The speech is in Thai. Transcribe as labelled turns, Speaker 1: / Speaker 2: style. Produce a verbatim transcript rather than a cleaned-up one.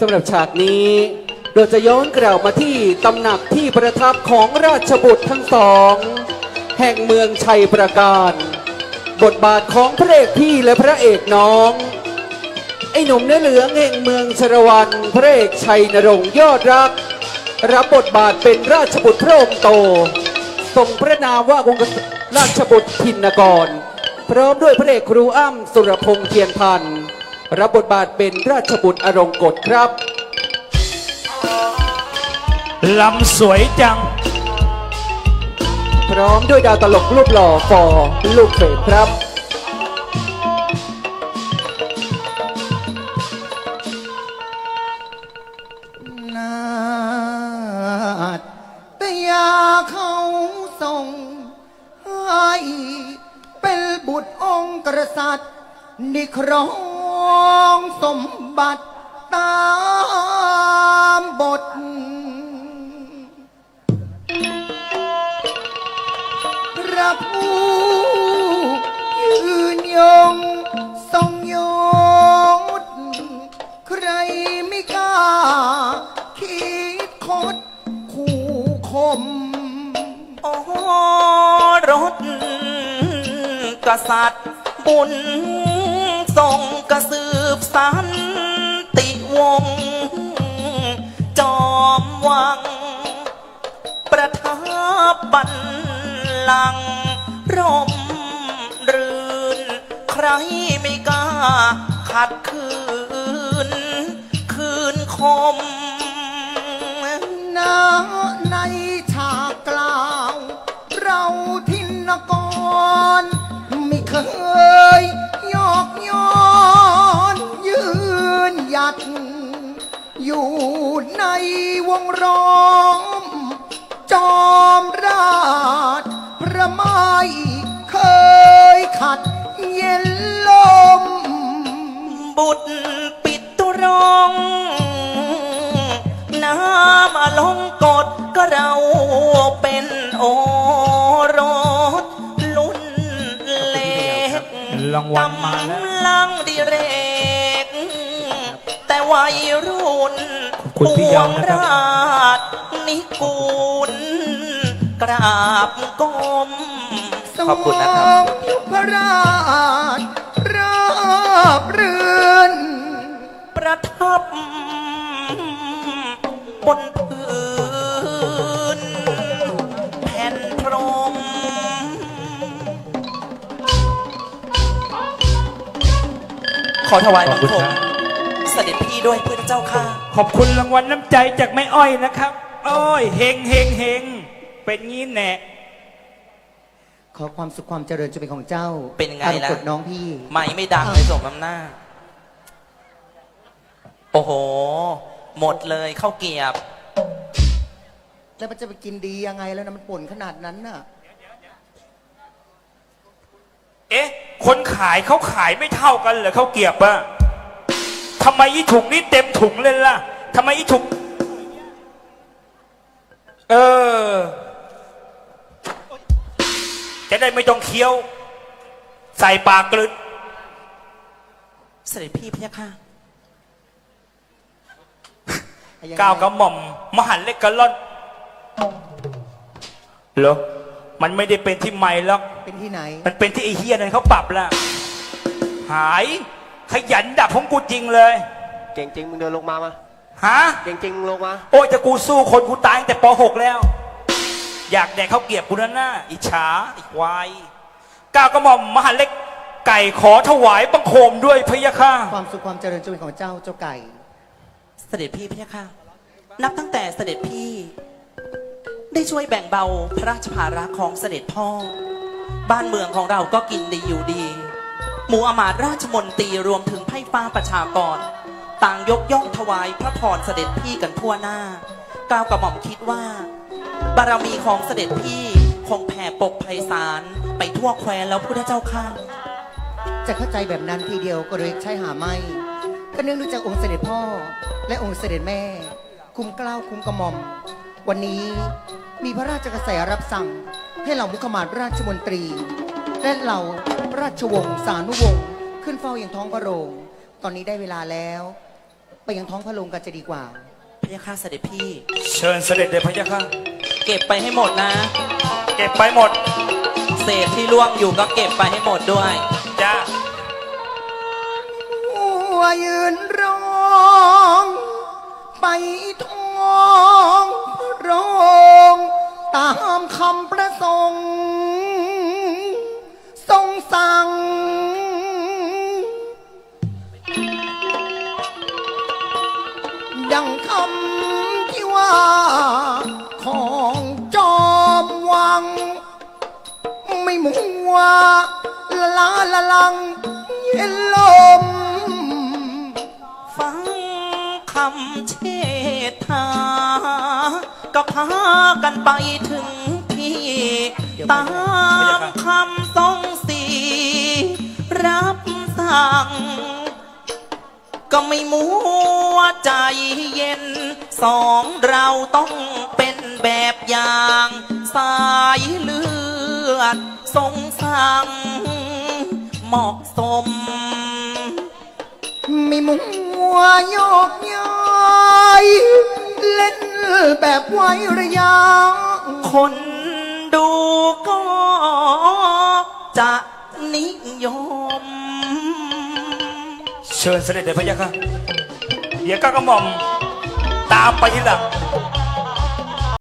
Speaker 1: สำหรับฉากนี้เราจะย้อนกล่าวมาที่ตำหนักที่ประทับของราชบุตรทั้งสองแห่งเมืองชัยประการบทบาทของพระเอกพี่และพระเอกน้องไอ้หนุ่มเนื้อเหลืองแห่งเมืองชรวันพระเอกชัยนรงค์ยอดรักรับบทบาทเป็นราชบุตรพระองค์โตทรงพระนามว่าวงศ์ราชบุตรธินกรพร้อมด้วยพระเอกครูอ้ำสุรพงษ์เทียนพันธ์รับบทบาทเป็นราชบุตรอรงกฎครับ
Speaker 2: ลำสวยจัง
Speaker 1: พร้อมด้วยดาวตลกรูปหล่อฟอลูกเฟดครับ
Speaker 3: นาฏแต่ยาเขาส่งให้เป็นบุตรองค์กษัตริย์นิครองสมบัติตามบทพระผู้ยืนยงทรงยศใครไม่กล้าคิดคดคู่คม
Speaker 4: โอ้รถกษัตริย์บุญทรงกระสืบสันติวงศ์จอมวังประทับบัลลังก์ร่มรื่นใครไม่กล้าขัดขืนคืนคม
Speaker 3: นาในฉากกล่าวเราทินกรไม่เคยยอกย้อนยืนหยัดอยู่ในวงล้อมจอมราชพระไม่เคยขัดเย็นลม
Speaker 4: บุตรปิดตุรองน้ำอลงกฎก็เราเป็นโอรสลุ่นเล็ก
Speaker 2: รางวัลมาแล้ว
Speaker 4: กำลังดิเรกแต่วัยรุ่นปวงราชนิกูลกราบก้ม
Speaker 3: ขอบคุณนะครับยุพราชราบเรือน
Speaker 4: ประทับบนพื้นแผ่นพรมขอถวายบังคมเสด็จพี่ด้วยเพื่อนเจ้าค่ะ
Speaker 2: ขอบคุณรางวัลน้ำใจจากแม่อ้อยนะครับโอ้ยเฮงเฮงเฮงเป็นงี้แน่
Speaker 3: ขอความสุขความเจริญจะเป็นของเจ้า
Speaker 4: เป็นไงล่ะ
Speaker 3: กดน้องพี่
Speaker 4: ไม่ไม่ดังเลยสมน้ำหน้าโอ้โหหมดเลยข้าวเกียบ
Speaker 3: แล้วมันจะไปกินดียังไงแล้วนะมันป่นขนาดนั้นน่ะ
Speaker 2: เอ๊ะคนขายเขาขายไม่เท่ากันเหรอเขาเกียบอะทำไมอีถุงนี้เต็มถุงเลยล่ะทำไมอีถุงเออจะได้ไม่ต้องเคี้ยวใส่ปากกลืน
Speaker 4: เสด็จพี่พะยะค่ะ
Speaker 2: ก้าวกระหม่อมมหันเล็กกระล่อนเหรอมันไม่ได้เป็นที่ใหม่หรอก
Speaker 3: เป็นที่ไหน
Speaker 2: มันเป็นที่ไอเฮียนั่นเขาปรับแล้วหายขยันดับของกูจริงเลย
Speaker 5: เก่งจริงมึงเดินลงมามา
Speaker 2: ฮะ
Speaker 5: เก่งจริงลงมา
Speaker 2: โอ้ยจะกูสู้คนกูตายตั้งแต่ป หกแล้วอยากแดกข้าวเกียบกูนั่นน่ะอิจฉาอีกวายก้าวกระหม่อมมหันเล็กไก่ขอถวายบังคมด้วยพะยะค่ะ
Speaker 3: ความสุขความเจริญจะเป็นของเจ้าเจ้าไก่
Speaker 4: เสด็จพี่พะยะค่ะนับตั้งแต่เสด็จพี่ได้ช่วยแบ่งเบาพระราชภาระของเสด็จพ่อบ้านเมืองของเราก็กินดีอยู่ดีหมู่อมาตย์ราชมนตรีรวมถึงไพร่ฟ้าประชากรต่างยกย่องถวายพระพรเสด็จพี่กันทั่วหน้าก้าวกระหม่อมคิดว่าบารมีของเสด็จพี่คงแผ่ปกไพศาลไปทั่วแคว้นแล้วพุทธเจ้าข้า
Speaker 3: จะเข้าใจแบบนั้นทีเดียวก็เลยใช่หาไม่ก็เนื่องด้วยจากองค์เสด็จพ่อและองค์เสด็จแม่คุ้มเกล้าคุ้มกระหม่อมวันนี้มีพระราชกระแสรับสั่งให้เหล่ามุขมาศราชมนตรีและเหล่าราชวงศ์สานุวงศ์ขึ้นเฝ้าอย่างท้องพระโรงตอนนี้ได้เวลาแล้วไปยังท้องพระโรงกันจะดีกว่า
Speaker 4: พระยาค่ะเสด็จพี่
Speaker 2: เชิญเสด็จเลยพระยาค่ะ
Speaker 4: เก็บไปให้หมดนะ
Speaker 2: เก็บไปหมด
Speaker 4: เศษที่ล่วงอยู่ก็เก็บไปให้หมดด้วย
Speaker 2: จ้า
Speaker 3: หัวยืนร้องไปท้องพระโรงตามคำประสงค์ทรงสั่ง ดังคำที่ว่าของจอมวัง ไม่มัวละลาละลังเย็นลม
Speaker 4: ฟังคำเชษฐาก็พากันไปถึงที่ ตามคำทรงสีรับสั่ง ก็ไม่มัวใจเย็น สองเราต้องเป็นแบบอย่าง สายเลือดทรงสั่งเหมาะสม
Speaker 3: ไม่มัวยกย้ายเล่นแบบไว้ระยะ
Speaker 4: คนดูก็จะนิยม
Speaker 2: เชิญเสด็จเลยพระยาค่ะเดี๋ยวก้าวกระหม่อมตามไปทีหลัง